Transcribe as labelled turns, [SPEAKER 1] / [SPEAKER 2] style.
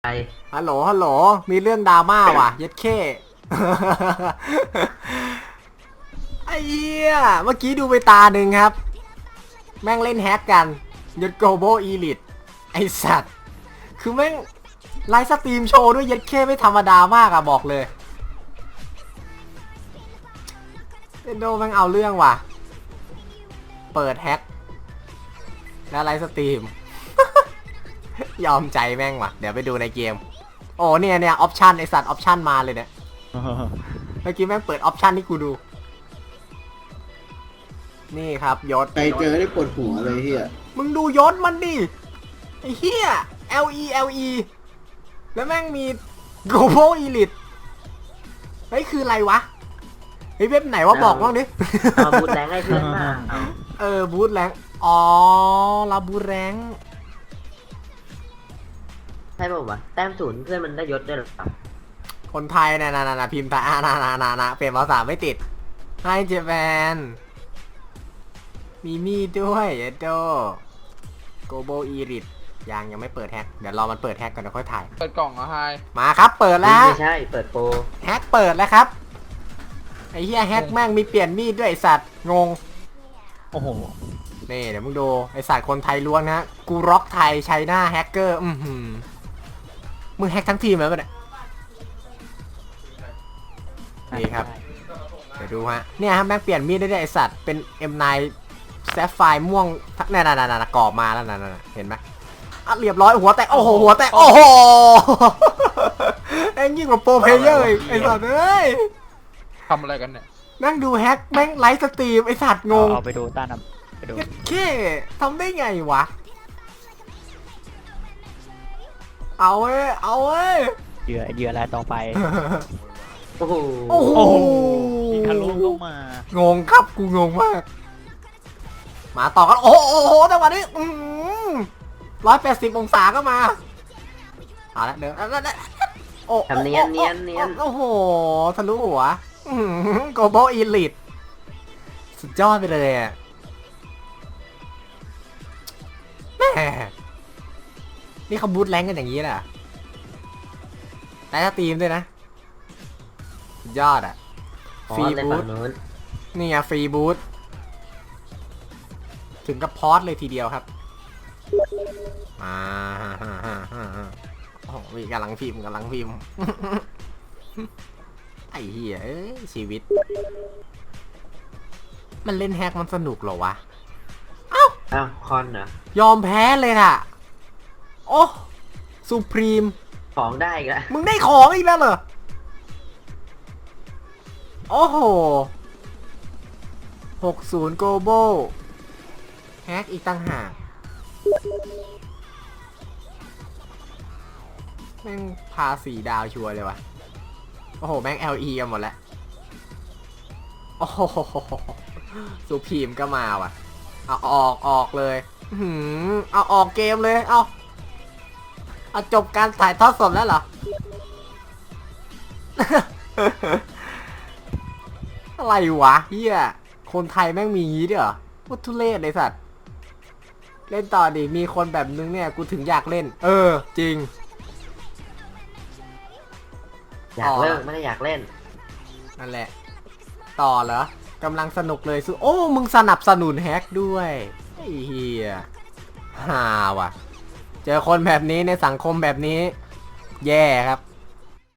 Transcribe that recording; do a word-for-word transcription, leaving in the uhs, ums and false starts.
[SPEAKER 1] ไป
[SPEAKER 2] ฮัลโหลฮัลโหลมีเรื่องดราม่าว่ะเย็ดเข้ไอ้เหี้ยเมื่อกี้ดูไปตาหนึ่งครับแม่งเล่นแฮกกันยศโกโบอีลิทไอสัตว์คือแม่งไลฟ์สตรีมโชว์ด้วยเย็ดเข้ไม่ธรรมดามากอะบอกเลยเอ็นโดแม่งเอาเรื่องว่ะเปิดแฮกแล้วไลฟ์สตรีม ยอมใจแม่งว่ะเดี๋ยวไปดูในเกมโอ้เนี่ยเนี่ยออปชันไอสัตว์ออปชันมาเลยเนี่ย เมื่อกี้แม่งเปิดออปชันที่กูดูนี่ครับยศ
[SPEAKER 3] ใครเจอได้ปวดหัวเลยเฮีย
[SPEAKER 2] มึงดูยศมันดิไอ้เหี้ย L E L E แล้วแม่งมี Global Elite เฮ้ยคืออะไรวะเฮ้ยเว็บไหนวะบอกบ้างดิ
[SPEAKER 1] มาบูทแรงให้เพื่อนมาเอา
[SPEAKER 2] เออบูทแรงอ๋อลาบูทแรง
[SPEAKER 1] ใช่ป่าววะแต้มศูนย์เพื่อนมันได้ยศด้วยหรอ
[SPEAKER 2] คนไทยนะนะนะพิมพ์ไทยอ่านะนะนะนะเปลี่ยนภาษาไม่ติดให้เจแปนมีมีดด้วยเอโด Global Elite ยังยังไม่เปิดแฮกเดี๋ยวรอมันเปิดแฮกก่อนเดี๋ยวค่อยถ่าย
[SPEAKER 4] เปิดกล่องเหรอไฮ
[SPEAKER 2] มาครับเปิดแล้ว
[SPEAKER 1] ไม่ใช่เปิดโปร
[SPEAKER 2] แฮกเปิดแล้วครับไอ้เหี้ยแฮกแม่งมีเปลี่ยนมีดด้วยไอสัตว์งง
[SPEAKER 4] โอ้โห
[SPEAKER 2] นี่เดี๋ยวมึงดูไอสัตว์คนไทยล้วนนะกูร็อกไทยไชน่าแฮกเกอร์อือหือมึงแฮกทั้งทีมแล้วปะเนี่ยนี่ครับเดี๋ยวดูฮะเนี่ยครับแม่งเปลี่ยนมีดได้ด้วยไอสัตว์เป็น เอ็ม ไนน์ แซฟไฟร์ม่วงนั่นนั่นนั่นกรอบมาแล้วนั่นนั่นเห็นไหมอ่ะเรียบร้อยหัวแตกโอ้โหหัวแตกโอ้โหแม่งยิ่งกว่าโปรเพลเยอร์อีกไอสัตว์เอ้ย
[SPEAKER 4] ทำอะไรกันเนี่ย
[SPEAKER 2] นั่งดูแฮกแม่งไลฟ์สตรีมไอสัตว์งง
[SPEAKER 5] เอาไปดูต้านำไปดู
[SPEAKER 2] แค่ทำได้ไงวะเอาเว้ยเอาเว้ย
[SPEAKER 5] เหยื่อเหยื่ออะไรต่อไป
[SPEAKER 1] โอ้โห
[SPEAKER 2] โอ้โห
[SPEAKER 5] ยิงทะลุลงมา
[SPEAKER 2] งงครับกูงงมากมาต่อกันโอ้โหโอ้โหจังหวะนี้ร้อยแปดสิบองศาก็มาเอาละเดินโอ้
[SPEAKER 1] ทำเนียนเนียนเนียน
[SPEAKER 2] โอ้โหทะลุหัวโกลบอลอีลิทสุดยอดไปเลยอ่ะแม่นี่เขาบูทแรงกันอย่างนี้แหละได้สตรีมด้วยนะสุดยอดอ่ะ
[SPEAKER 1] อ๋อ
[SPEAKER 2] ฟรี
[SPEAKER 1] ใน
[SPEAKER 2] บู
[SPEAKER 1] ฝั่
[SPEAKER 2] ท
[SPEAKER 1] งนู้น
[SPEAKER 2] นี่ไงฟรีบูทถึงกับพอสเลยทีเดียวครับมาโอ้โหมีกำลังพิมพ์กำลังพิมพ์ ไอ้เหี้ยเอ้ยชีวิต มันเล่นแฮกมันสนุกเหรอวะ
[SPEAKER 1] อ้าวคอนเหรอย
[SPEAKER 2] อมแพ้เลยน่ะ โอ้สุพรีม
[SPEAKER 1] ของได้อีกแล้ว
[SPEAKER 2] มึงได้ของอีกแล้วเหรอ โอ้โหหกสิบ global แฮกอีกตั้งหากแม่งพาสี่ดาวชัวร์เลยวะโอ้โห แม่ง แอล อี กันหมดแล้ว โอ้โหสุพรีมก็มาว่ะ เอาออกออกเลยหืมเอาออกเกมเลย เอาเอาจบการถ่ายทอดสดแล้วเหรอ อะไรวะเฮียคนไทยแม่งมีงี้ด้วยเหรอพุทุเรศไอสัตว์ เล่นต่อดิ มีคนแบบนึงเนี่ย กูถึงอยากเล่น เออ จริง
[SPEAKER 1] อยากเลิกไม่ได้อยากเล่น
[SPEAKER 2] นั่นแหละ ต่อเหรอกำลังสนุกเลยสุโอ้ มึงสนับสนุนแฮกด้วยไอ้เฮียฮ่าว่ะ เจอคนแบบนี้ในสังคมแบบนี้ แย่ครับ